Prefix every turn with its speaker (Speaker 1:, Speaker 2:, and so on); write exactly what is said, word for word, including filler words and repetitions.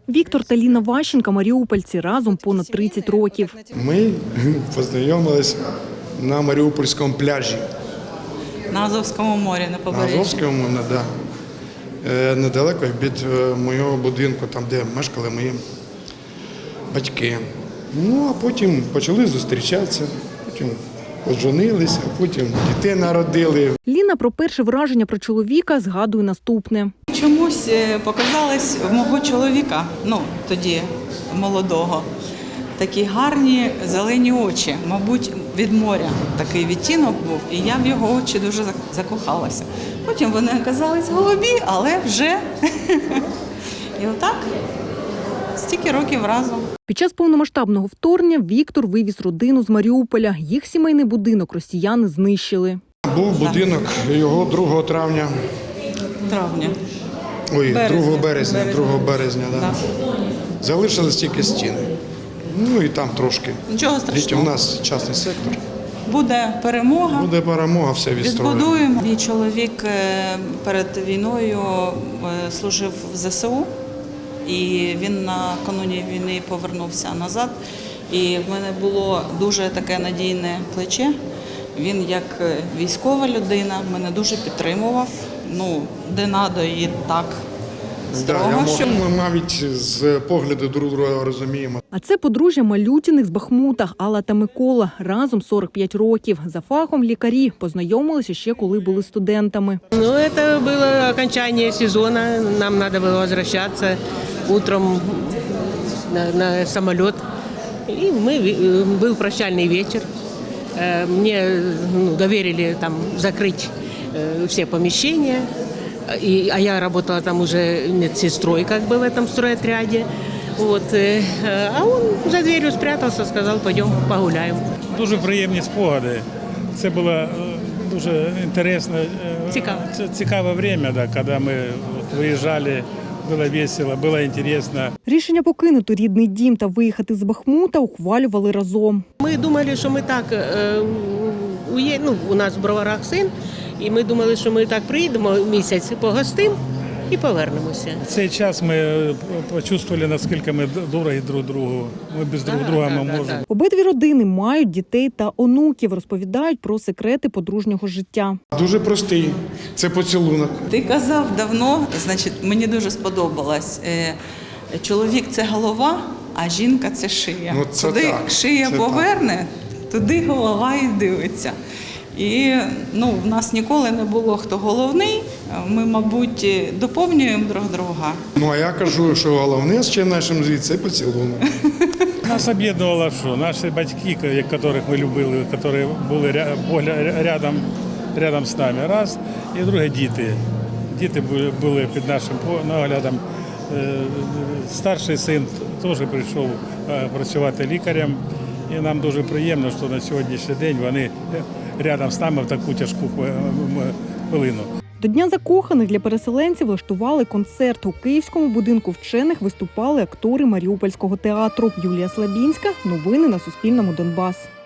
Speaker 1: Віктор та Ліна Ващенка – маріупольці, разом понад тридцять років.
Speaker 2: Ми познайомились на Маріупольському пляжі.
Speaker 3: На Азовському морі, на побережжі.
Speaker 2: На Азовському, да. Недалеко від моєго будинку, там, де мешкали мої батьки. Ну, а потім почали зустрічатися, потім поженилися, потім дітей народили.
Speaker 1: Ліна про перше враження про чоловіка згадує наступне.
Speaker 3: Чомусь показалось в мого чоловіка, ну, тоді молодого, такі гарні зелені очі. Мабуть, від моря такий відтінок був, і я в його очі дуже закохалася. Потім вони оказались голубі, але вже і отак стільки років разом.
Speaker 1: Під час повномасштабного вторгнення Віктор вивіз родину з Маріуполя. Їх сімейний будинок росіяни знищили.
Speaker 2: Був будинок його другого травня.
Speaker 3: Травня.
Speaker 2: Ой,
Speaker 3: Березня.
Speaker 2: другого березня,
Speaker 3: Березня.
Speaker 2: другого березня, да.
Speaker 3: Да.
Speaker 2: Залишились тільки стіни. Ну і там трошки.
Speaker 3: Нічого
Speaker 2: Дітя,
Speaker 3: страшного.
Speaker 2: у нас частний сектор.
Speaker 3: Буде перемога.
Speaker 2: Буде перемога, все відстроїмо.
Speaker 3: Відбудуємо. Мій чоловік перед війною служив в зе се у, і він накануні війни повернувся назад. І в мене було дуже таке надійне плече. Він як військова людина мене дуже підтримував. Ну, де надо і так строго.
Speaker 2: Да, я
Speaker 3: що...
Speaker 2: Ми навіть з погляду друг друга розуміємо.
Speaker 1: А це подружжя Малютіних з Бахмута, Алла та Микола. Разом сорок п'ять років. За фахом лікарі. Познайомилися ще коли були студентами.
Speaker 4: Ну, это было окончание сезона. Нам надо было возвращаться утром на, на самолет. И мы, был прощальный вечер. Мне ну, доверили там закрыть все помещения. И, а я работала там уже медсестрой как бы в этом стройотряде. Вот. А он за дверью спрятался, сказал, пойдем погуляем.
Speaker 5: Дуже приємні спогади. Це було дуже інтересно,
Speaker 4: Цікаво.
Speaker 5: цікаве время, да, коли ми виїжджали, було весело, було інтересно.
Speaker 1: Рішення покинути рідний дім та виїхати з Бахмута ухвалювали разом.
Speaker 4: Ми думали, що ми так, ує... ну, у нас в Броварах син, і ми думали, що ми так приїдемо місяць, погостимо і повернемося.
Speaker 5: В цей час ми почувствували, наскільки ми дорогі друг другу. Ми без друг друга ми можемо.
Speaker 1: Обидві родини мають дітей та онуків, розповідають про секрети подружнього життя.
Speaker 2: Дуже простий. Це поцілунок.
Speaker 3: Ти казав давно, значить, мені дуже сподобалось. Чоловік – це голова, а жінка – це шия.
Speaker 2: Ну, це
Speaker 3: Куди
Speaker 2: так,
Speaker 3: шия
Speaker 2: це
Speaker 3: поверне, туди голова і дивиться. І ну, в нас ніколи не було хто головний, ми, мабуть, доповнюємо друг друга.
Speaker 2: Ну, а я кажу, що головне з чим нашим звідси – це поцілунок.
Speaker 5: Нас об'єднувало, що наші батьки, яких ми любили, які були рядом, рядом з нами, раз, і друге діти. Діти були під нашим наглядом. Старший син теж прийшов працювати лікарем, і нам дуже приємно, що на сьогоднішній день вони рядом з нами в таку тяжку хвилину.
Speaker 1: До Дня закоханих для переселенців влаштували концерт. У Київському будинку вчених виступали актори Маріупольського театру. Юлія Слабінська. Новини на Суспільному. Донбас.